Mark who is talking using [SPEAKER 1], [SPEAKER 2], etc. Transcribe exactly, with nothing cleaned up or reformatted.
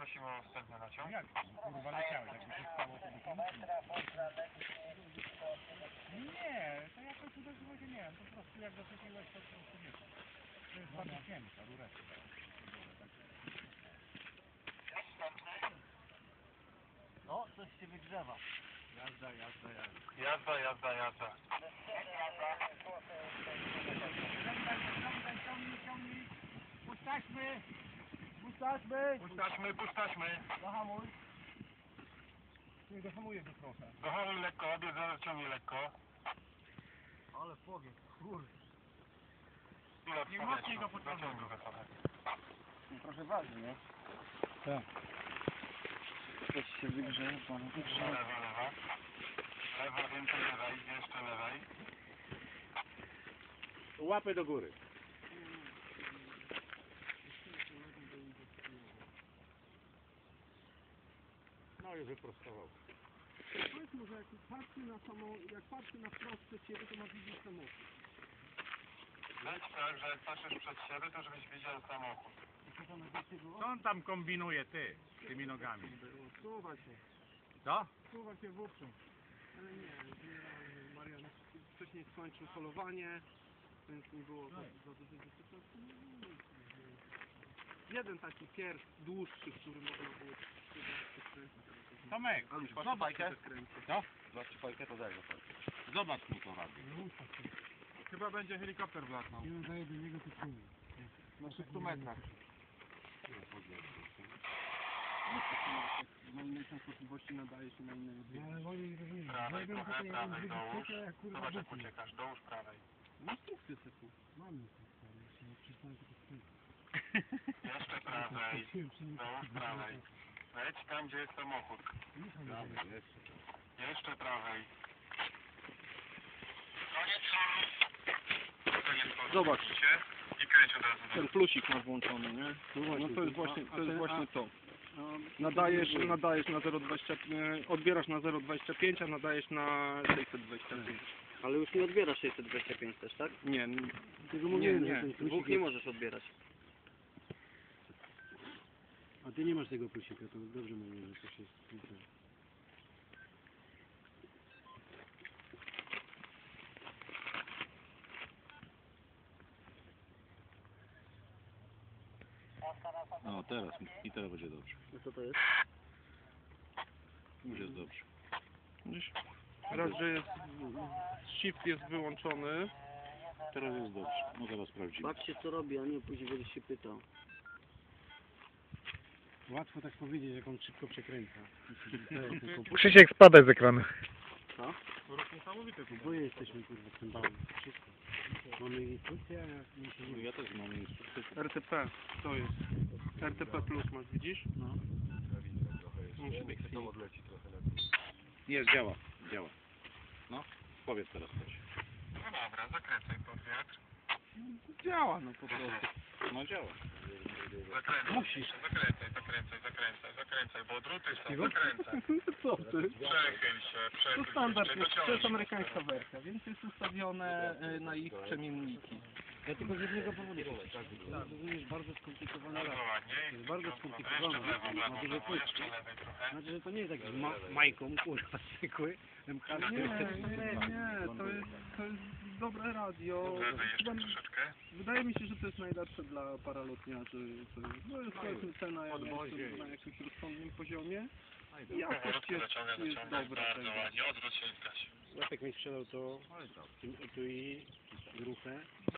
[SPEAKER 1] prosimy o wstępny naciąg.
[SPEAKER 2] Jak? Kurwa leciałeś, jakby się stało, to by to nie, to jakoś uderzyło się, nie wiem, po prostu jak doczepiłeś, to po prostu wiesz. To jest bardzo cienka rureczka.
[SPEAKER 3] O, coś się wygrzewa.
[SPEAKER 2] Jazda, jazda, jazda.
[SPEAKER 1] Jazda, jazda, jazda.
[SPEAKER 2] Ciągaj, ciągaj, ciągnij, ciągnij. Pusztaśmy, pusztaśmy.
[SPEAKER 1] Pusztaśmy, pusztaśmy.
[SPEAKER 2] Zahamuj. Nie, zahamuję go trochę.
[SPEAKER 1] Dochowuj lekko, obiec ciągnij lekko.
[SPEAKER 2] Ale powiedz, kurde.
[SPEAKER 1] Pilot
[SPEAKER 2] Nie mocniej go pociągnij.
[SPEAKER 1] Zaciągnij go trochę.
[SPEAKER 3] Trochę waży, nie?
[SPEAKER 2] Tak.
[SPEAKER 3] Coś się wygrzewa.
[SPEAKER 1] Lewa, lewa. Lewa, więcej lewej, jeszcze lewej.
[SPEAKER 2] Łapy do góry. No i wyprostował.
[SPEAKER 4] Powiedz może jak patrzy na samą, jak patrzy na wprost przed siebie, to ma widzieć samochód.
[SPEAKER 1] Weź tak, że jak patrzysz przed siebie, to żebyś widział samochód.
[SPEAKER 2] Co on tam kombinuje, ty, z tymi nogami?
[SPEAKER 4] Suwa się,
[SPEAKER 2] Co?
[SPEAKER 4] suwa się wówczas. Ale nie, generalnie Marian wcześniej skończył polowanie, więc nie było za, za dużo dyscyplinów. Jeden taki pierw dłuższy, który można było przekręcić.
[SPEAKER 2] Tomek,
[SPEAKER 3] Zobacz fajkę.
[SPEAKER 2] co?
[SPEAKER 3] Zobacz fajkę, to daj go.
[SPEAKER 2] Zobacz mu to robi.
[SPEAKER 4] Chyba będzie helikopter wlatnął.
[SPEAKER 2] Nie daje do niego tytułu.
[SPEAKER 4] Na sześciu metrach. Na innej częstotliwości nadaje się na innej odbiorze.
[SPEAKER 2] Ale oni rozumieją.
[SPEAKER 1] Prawej
[SPEAKER 2] Zrobią
[SPEAKER 1] trochę,
[SPEAKER 2] tutaj
[SPEAKER 1] prawej
[SPEAKER 2] jakąś
[SPEAKER 1] dołóż.
[SPEAKER 2] wycieczkę, jak kurwa
[SPEAKER 1] Zobacz jak
[SPEAKER 2] wytnę.
[SPEAKER 1] uciekasz, dołóż prawej.
[SPEAKER 4] Instrukcję sobie.
[SPEAKER 2] Mam instrukcję, ale jeszcze nie przeczytałem tylko z tyłu.
[SPEAKER 1] Jeszcze prawej, dołóż prawej. Leć tam, gdzie jest samochód. Jeszcze prawej. Koniec
[SPEAKER 4] Zobacz.
[SPEAKER 1] I kręć od razu.
[SPEAKER 4] Ten plusik masz włączony, nie? No to jest właśnie, to jest właśnie to. Nadajesz, nadajesz na zero przecinek dwadzieścia pięć, odbierasz na zero przecinek dwadzieścia pięć, a nadajesz na sześćset dwadzieścia pięć.
[SPEAKER 3] Ale już nie odbierasz sześćset dwadzieścia pięć też, tak?
[SPEAKER 4] Nie, nie,
[SPEAKER 3] Nie,
[SPEAKER 4] nie.
[SPEAKER 3] Dwóch nie możesz odbierać.
[SPEAKER 2] A ty nie masz tego plusika, to dobrze mówię, że to się jest...
[SPEAKER 5] No teraz, i teraz będzie dobrze.
[SPEAKER 3] No co to jest?
[SPEAKER 5] Już jest dobrze.
[SPEAKER 4] Widzisz? Raz, że jest, shift jest wyłączony.
[SPEAKER 5] Teraz jest dobrze. No zaraz sprawdzimy.
[SPEAKER 3] Patrzcie co robi, a nie później będziesz się pytał.
[SPEAKER 2] Łatwo tak powiedzieć, jak on szybko przekręca.
[SPEAKER 6] Krzysiek, spadaj z ekranu.
[SPEAKER 3] Co?
[SPEAKER 4] To jest niesamowite tu.
[SPEAKER 2] Oboje jesteśmy kurwa w tym bału. Wszystko. Mamy instrukcję, a jak mi się
[SPEAKER 5] No
[SPEAKER 2] nie...
[SPEAKER 5] ja też mam instrukcję.
[SPEAKER 4] R T P, to jest. R T P plus masz, widzisz? No. Musi być to odleci trochę lepiej.
[SPEAKER 5] Jest, działa. Działa. No, powiedz teraz coś.
[SPEAKER 1] No dobra, zakręcaj pod wiatr.
[SPEAKER 4] Działa no po prostu.
[SPEAKER 5] No działa.
[SPEAKER 1] Zakręcaj. Musisz. Zakręcaj, zakręcaj, zakręcaj, zakręcaj, bo druty są, zakręcaj.
[SPEAKER 4] Co ty?
[SPEAKER 1] Przechyl się,
[SPEAKER 4] To
[SPEAKER 1] przechyl się.
[SPEAKER 4] standard
[SPEAKER 1] jeszcze
[SPEAKER 4] jest, to
[SPEAKER 1] dociągnij.
[SPEAKER 4] jest amerykańska wersja, więc jest ustawione y, na ich przemienniki.
[SPEAKER 3] Ja tylko z jednego powodu się rozumiesz, bardzo skomplikowana
[SPEAKER 1] Bardzo
[SPEAKER 3] gra.
[SPEAKER 1] ładnie.
[SPEAKER 3] jest bardzo
[SPEAKER 1] Jeszcze
[SPEAKER 3] skomplikowane.
[SPEAKER 1] w lewo, w lewo,
[SPEAKER 3] Ma
[SPEAKER 1] w
[SPEAKER 3] duże
[SPEAKER 1] lewo,
[SPEAKER 3] płytki.
[SPEAKER 1] jeszcze lewej trochę.
[SPEAKER 3] Znaczy, że to nie jest taki z ma majką, kurwa, zwykły. M K
[SPEAKER 4] Nie, nie, nie, to jest, to jest dobre radio.
[SPEAKER 1] Lewej jeszcze
[SPEAKER 4] Chyba-
[SPEAKER 1] troszeczkę.
[SPEAKER 4] Wydaje mi się, że to jest najlepsze dla paralotniarzy. To jest, no jest powiedzmy cena jak jest na jakimś rozsądnym poziomie. I jakość
[SPEAKER 1] Powolutku
[SPEAKER 4] jest,
[SPEAKER 1] zaciągaj,
[SPEAKER 4] jest
[SPEAKER 1] zaciągaj.
[SPEAKER 4] dobra.
[SPEAKER 1] Bardzo
[SPEAKER 4] tego.
[SPEAKER 1] ładnie. Odwróć się i zgaś.
[SPEAKER 2] Łapek mi sprzedał to, tu i gruchę.